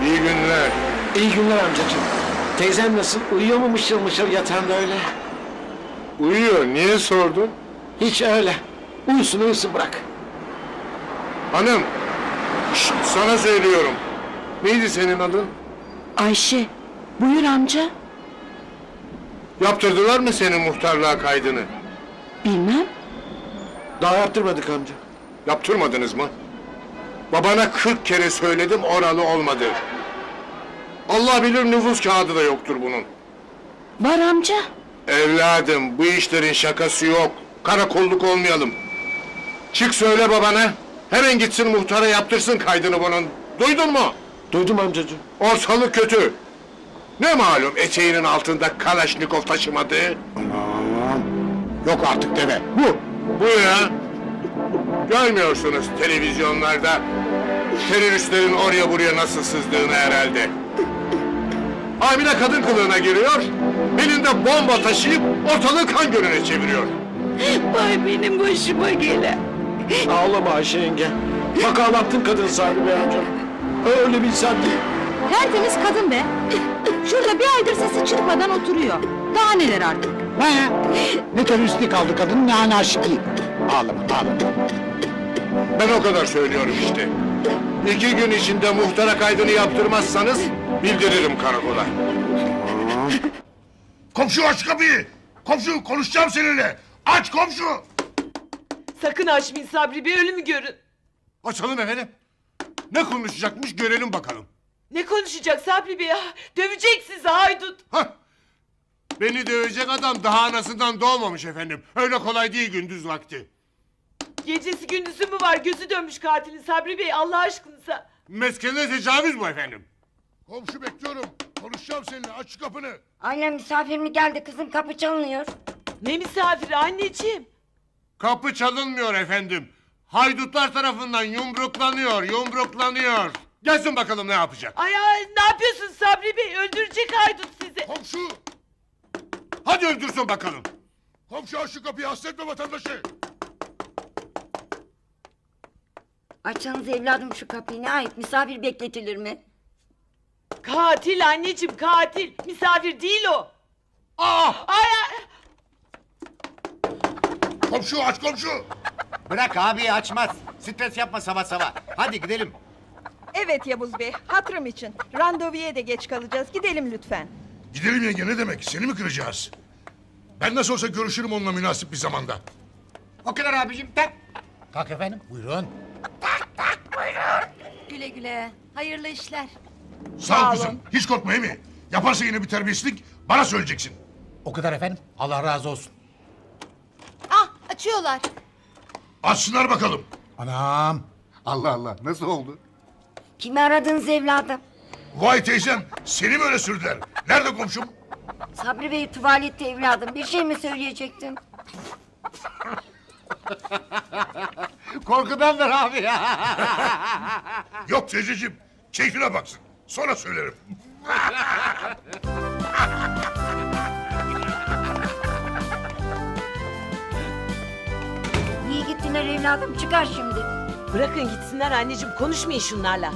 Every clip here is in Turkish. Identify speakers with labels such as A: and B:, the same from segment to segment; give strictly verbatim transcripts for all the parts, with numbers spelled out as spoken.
A: İyi günler.
B: İyi günler amcacığım. Teyzem nasıl? Uyuyor mu mışıl mışıl yatağında öyle?
A: Uyuyor. Niye sordun?
B: Hiç öyle. Uyusun uyusun bırak.
A: Hanım. Şşt, sana söylüyorum. Neydi senin adın?
C: Ayşe, buyur amca.
A: Yaptırdılar mı senin muhtarlığa kaydını?
C: Bilmem.
B: Daha yaptırmadık amca.
A: Yaptırmadınız mı? Babana kırk kere söyledim, oralı olmadı. Allah bilir nüfus kağıdı da yoktur bunun.
C: Var amca.
A: Evladım, bu işlerin şakası yok. Karakolluk olmayalım. Çık söyle babana. Hemen gitsin muhtara yaptırsın kaydını bunun. Duydun mu?
B: Duydum amcacığım.
A: Ortalık kötü. Ne malum eteğinin altında Kalaşnikov taşımadığı?
D: Aman. Yok artık deve.
A: Bu. Bu ya. Görmüyorsunuz televizyonlarda teröristlerin oraya buraya nasıl sızdığını herhalde. Hamile kadın kılığına giriyor, elinde bomba taşıyıp ortalığı kan gölüne çeviriyor.
C: Vay benim başıma gelen.
B: Ağlama Ayşe yenge. Bak ağlattın kadın sahibi be amcam. Öyle bilsen değil.
E: Tertemiz kadın be. Şurada bir aydır sesi çıkmadan oturuyor. Daha neler artık?
D: He. Ne teröristlik aldı kadın, ne anarşiklik. Ağlama, ağlama.
A: Ben o kadar söylüyorum işte. İki gün içinde muhtara kaydını yaptırmazsanız bildiririm karakola.
F: Komşu aç kapıyı! Komşu konuşacağım seninle! Aç komşu!
G: Sakın açmayın Sabri Bey, ölümü görün.
A: Açalım efendim. Ne konuşacakmış görelim bakalım.
G: Ne konuşacak Sabri Bey ya? Dövecek sizi haydut.
A: Hah! Beni dövecek adam daha anasından doğmamış efendim. Öyle kolay değil gündüz vakti.
G: Gecesi gündüzü mü var? Gözü dönmüş katilin Sabri Bey, Allah aşkınıza.
A: Meskene tecavüz bu efendim.
F: Komşu bekliyorum. Konuşacağım seninle. Aç şu kapını.
H: Annem misafir mi geldi kızım, kapı çalınıyor.
G: Ne misafiri anneciğim?
A: Kapı çalınmıyor efendim. Haydutlar tarafından yumruklanıyor, yumruklanıyor. Gelsin bakalım ne yapacak.
G: Ay ay, ne yapıyorsun Sabri Bey? Öldürecek haydut sizi.
F: Komşu!
A: Hadi öldürsün bakalım.
F: Komşu aç şu kapıyı. Hasretme vatandaşı.
H: Açsanız evladım şu kapıyı, ne ait, misafir bekletilir mi?
G: Katil anneciğim, katil. Misafir değil o.
A: Ah!
G: Ay ay.
F: Komşu aç komşu!
D: Bırak abi, açmaz. Stres yapma sabah sabah. Hadi gidelim.
E: Evet Yavuz Bey, hatırım için. Randevuya da geç kalacağız. Gidelim lütfen.
F: Gidelim yenge, ne demek? Seni mi kıracağız? Ben nasıl olsa görüşürüm onunla münasip bir zamanda.
D: O kadar abicim, tak. Kalk efendim, buyurun.
E: Güle güle. Hayırlı işler.
F: Sağ ol kızım. Hiç korkma mi? Yaparsa yine bir terbiyesizlik bana söyleyeceksin.
D: O kadar efendim, Allah razı olsun.
E: Ah, açıyorlar.
F: Açsınlar bakalım.
D: Anam. Allah Allah, nasıl oldu?
H: Kimi aradınız evladım?
F: Vay teyzem, seni mi öyle sürdüler? Nerede komşum?
H: Sabri Bey tuvalette evladım, bir şey mi söyleyecektin?
D: Korkudandır abi ya.
F: Yok teyzeciğim, keyfine baksın. Sonra söylerim.
H: Niye gittiler evladım? Çıkar şimdi.
G: Bırakın gitsinler anneciğim, konuşmayın şunlarla.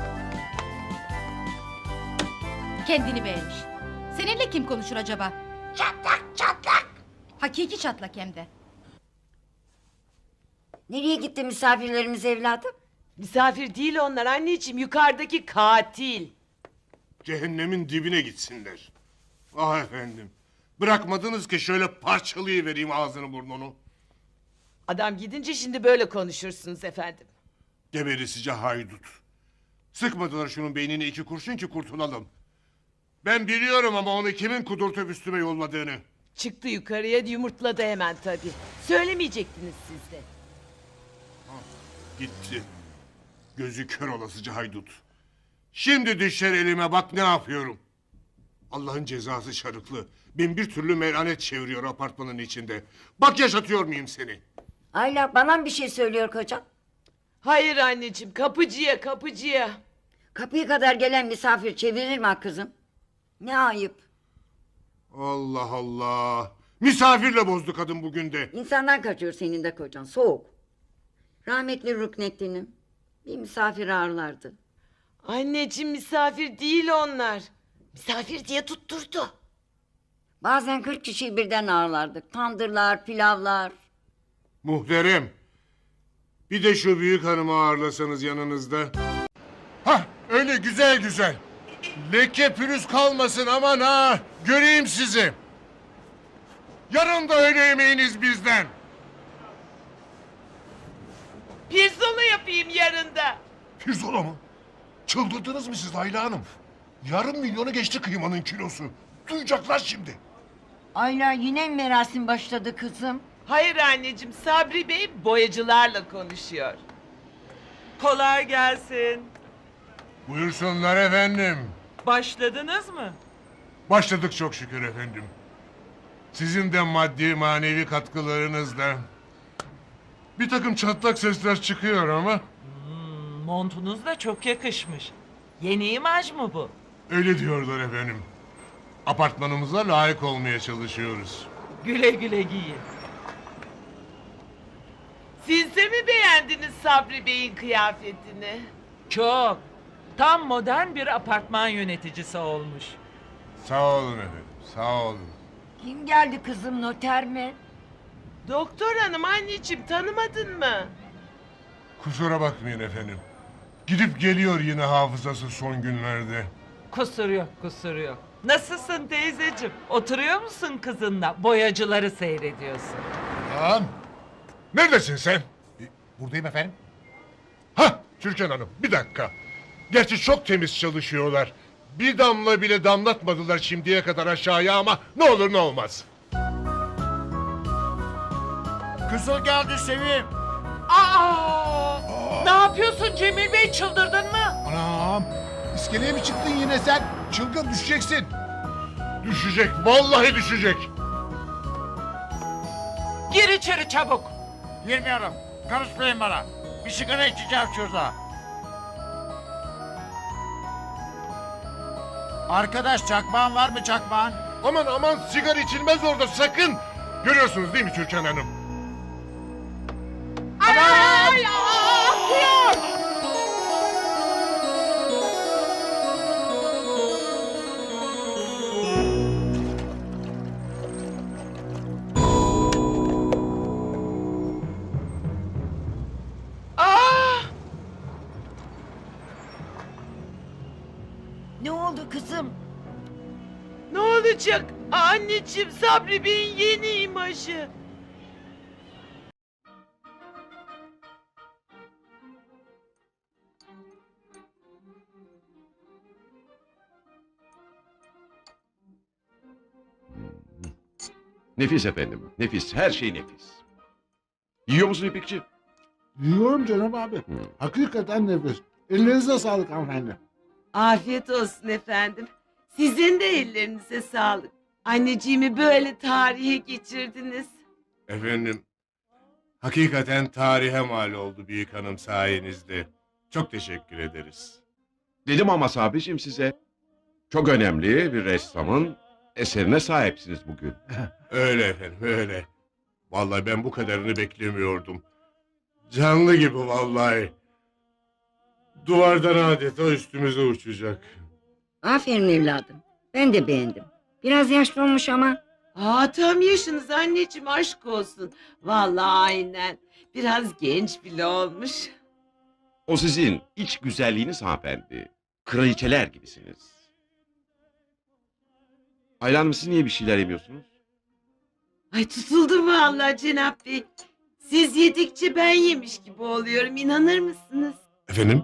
E: Kendini beğenmiş. Seninle kim konuşur acaba? Çatlak çatlak. Hakiki çatlak hem de.
H: Nereye gitti misafirlerimiz evladım?
G: Misafir değil onlar anneciğim, yukarıdaki katil.
A: Cehennemin dibine gitsinler. Ah efendim. Bırakmadınız ki şöyle parçalayıvereyim ağzını burnunu.
G: Adam gidince şimdi böyle konuşursunuz efendim.
A: Geberisice haydut. Sıkmadılar şunun beynine iki kurşun ki kurtulalım. Ben biliyorum ama onu kimin kudurtup üstüme yolladığını.
G: Çıktı yukarıya, yumurtladı hemen tabii. Söylemeyecektiniz siz de.
A: Gitti. Gözü kör olasıca haydut. Şimdi düşer elime, bak ne yapıyorum. Allah'ın cezası şarıklı. Bin bir türlü melanet çeviriyor apartmanın içinde. Bak yaşatıyor muyum seni?
H: Ayla, bana mı bir şey söylüyor kocan?
G: Hayır anneciğim, kapıcıya kapıcıya.
H: Kapıya kadar gelen misafir çevirir mi ha kızım? Ne ayıp.
A: Allah Allah. Misafirle bozdu kadın bugün de.
H: İnsandan kaçıyor senin de kocan, soğuk. Rahmetli Ruknettin'im bir misafir ağırlardı.
G: Anneciğim misafir değil onlar. Misafir diye tutturdu.
H: Bazen kırk kişiyi birden ağırlardık. Tandırlar, pilavlar.
A: Muhterem. Bir de şu büyük hanımı ağırlasanız yanınızda. Hah öyle güzel güzel. Leke pürüz kalmasın aman ha. Göreyim sizi. Yarın da öğle yemeğiniz bizden.
G: Pirzola yapayım yarın da.
F: Pirzola mı? Çıldırdınız mı siz Ayla Hanım? Yarım milyonu geçti kıymanın kilosu. Duyacaklar şimdi.
H: Ayla yine mi merasim başladı kızım?
G: Hayır anneciğim, Sabri Bey boyacılarla konuşuyor. Kolay gelsin.
A: Buyursunlar efendim.
G: Başladınız mı?
A: Başladık çok şükür efendim. Sizin de maddi manevi katkılarınızla. Bir takım çatlak sesler çıkıyor ama
I: Montunuz da çok yakışmış. Yeni imaj mı bu?
A: öyle diyorlar efendim. Apartmanımıza layık olmaya çalışıyoruz.
I: Güle güle giyin.
G: Siz de mi beğendiniz Sabri Bey'in kıyafetini?
I: Çok. Tam modern bir apartman yöneticisi olmuş.
A: Sağ olun efendim, sağ olun.
H: Kim geldi kızım, noter mi?
G: Doktor hanım anneciğim, tanımadın mı?
A: Kusura bakmayın efendim. Gidip geliyor yine hafızası son günlerde.
I: Kusur yok, kusur yok. Nasılsın teyzeciğim? Oturuyor musun kızınla? Boyacıları seyrediyorsun.
A: Lan! Neredesin sen?
F: Buradayım efendim.
A: Hah, Türkan Hanım, bir dakika. Gerçi çok temiz çalışıyorlar. Bir damla bile damlatmadılar şimdiye kadar aşağıya ama ne olur ne olmaz.
D: Kızıl geldi Sevim.
I: Aa! Ne yapıyorsun Cemil Bey, çıldırdın mı?
D: Anam. İskeleye mi çıktın yine sen? Çılgın düşeceksin.
A: Düşecek, vallahi düşecek.
I: Gir içeri çabuk.
D: Girmiyorum. Karışmayın bana. Bir sigara içeceğim şurada. Arkadaş çakmağın var mı çakmağın?
A: Aman aman sigara içilmez orada sakın. Görüyorsunuz değil mi Türkan Hanım?
G: Ay, akıyor! Ah!
H: Ne oldu kızım?
G: Ne olacak? Anneciğim, Sabri Bey'in yeni imajı.
B: Nefis efendim, nefis. Her şey nefis. Yiyor musun İpekçi?
D: Yiyorum canım abi. Hakikaten nefis. Ellerinize sağlık hanımefendi.
G: Afiyet olsun efendim. Sizin de ellerinize sağlık. Anneciğimi böyle tarihe geçirdiniz.
A: Efendim, hakikaten tarihe mal oldu büyük hanım sayenizde. Çok teşekkür ederiz.
B: Dedim ama Sabri'cim size. Çok önemli bir ressamın eserine sahipsiniz bugün.
A: Öyle efendim, öyle. Vallahi ben bu kadarını beklemiyordum. Canlı gibi vallahi. Duvardan adeta üstümüze uçacak.
H: Aferin evladım. Ben de beğendim. Biraz yaşlı olmuş ama.
G: Aa, tam yaşınız anneciğim, aşk olsun. Vallahi aynen. Biraz genç bile olmuş.
B: O sizin iç güzelliğiniz hanımefendi. Kraliçeler gibisiniz. Ayla Hanım, siz niye bir şeyler yemiyorsunuz?
G: Ay, tutuldu mu Allah Cenap Bey? Siz yedikçe ben yemiş gibi oluyorum, inanır mısınız?
A: Efendim?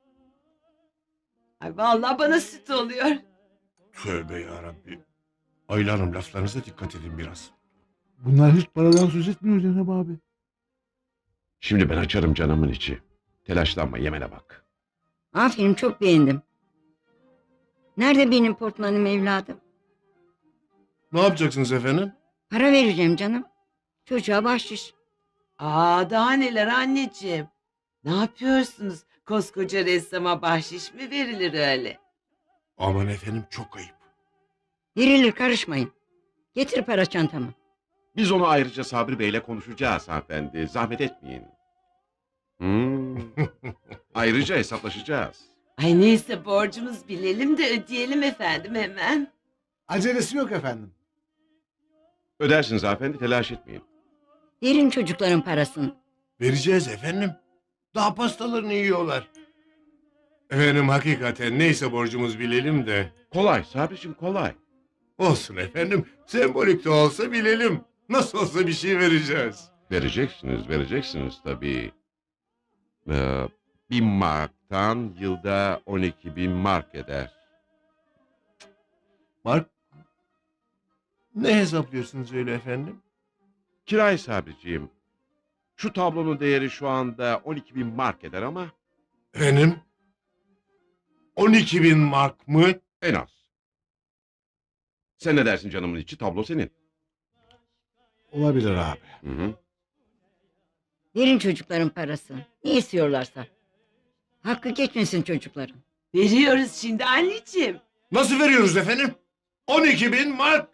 G: Ay vallahi bana süt oluyor.
A: Tövbe yarabbi. Ayla Hanım laflarınıza dikkat edin biraz.
D: Bunlar hiç paradan söz etmiyor Cenab abi.
B: Şimdi ben açarım canımın içi. Telaşlanma, yemene bak.
H: Aferin, çok beğendim. Nerede benim portmanım evladım?
A: Ne yapacaksınız efendim?
H: Para vereceğim canım. Çocuğa bahşiş.
G: Aa, daha neler anneciğim. Ne yapıyorsunuz? Koskoca ressama bahşiş mi verilir öyle?
A: Aman efendim çok ayıp.
H: Verilir, karışmayın. Getir para çantamı.
B: Biz onu ayrıca Sabri Bey'le konuşacağız hanımefendi. Zahmet etmeyin. Hmm. Ayrıca hesaplaşacağız.
G: Ay neyse borcumuz bilelim de ödeyelim efendim hemen.
D: Acelesi yok efendim.
B: Ödersiniz hanımefendi, telaş etmeyin.
H: Verin çocukların parasını.
F: Vereceğiz efendim. Daha pastalarını yiyorlar.
A: Efendim hakikaten neyse borcumuz bilelim de.
B: Kolay Sabriciğim, kolay.
A: Olsun efendim. Sembolik de olsa bilelim. Nasıl olsa bir şey vereceğiz.
B: Vereceksiniz, vereceksiniz tabii. Ee, bin marktan yılda on iki bin mark eder.
F: Mark, ne hesaplıyorsunuz öyle efendim?
B: Kirayı Sabriciğim. Şu tablonun değeri şu anda on iki bin mark eder ama
A: Efendim? on iki bin mark mı?
B: en az. Sen ne dersin canımın içi? Tablo senin.
D: Olabilir abi.
B: Hı hı.
H: Verin çocukların parasını. Ne istiyorlarsa. Hakkı geçmesin çocukların.
G: Veriyoruz şimdi anneciğim.
A: Nasıl veriyoruz efendim? on iki bin mark.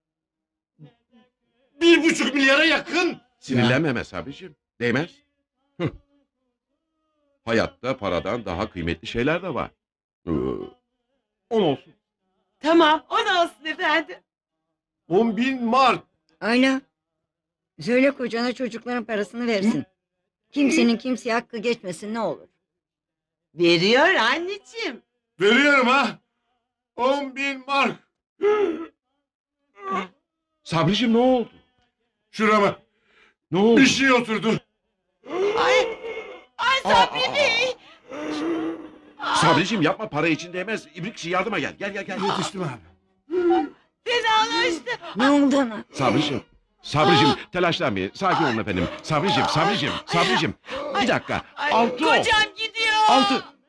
A: Bir buçuk milyara yakın.
B: Sinirlenmeme Sabriciğim. Değmez. Hıh. Hayatta paradan daha kıymetli şeyler de var. Ee, on olsun.
G: Tamam on olsun efendim.
A: on bin mark.
H: Ayla. Söyle kocana çocukların parasını versin. Kimsenin kimseye hakkı geçmesin ne olur.
G: Veriyor anneciğim.
A: Veriyorum ha. on bin mark.
B: Sabriciğim ne oldu?
A: Şurama
B: Ne oldu?
A: bir şey oturdu.
G: Ay, ay Sabri Bey.
B: Sabriciğim yapma, para için değmez. İbrikçi yardıma gel. Gel gel gel.
D: Yetiştim abi.
G: Fenalaştı.
H: Ne oldu ana?
B: Sabriciğim. Sabriciğim telaşlanmayın. Sakin olun efendim. Sabriciğim, Sabriciğim, Sabriciğim. Bir dakika.
G: Ay,
B: Altı o.
G: kocam gidiyor.
B: Altı.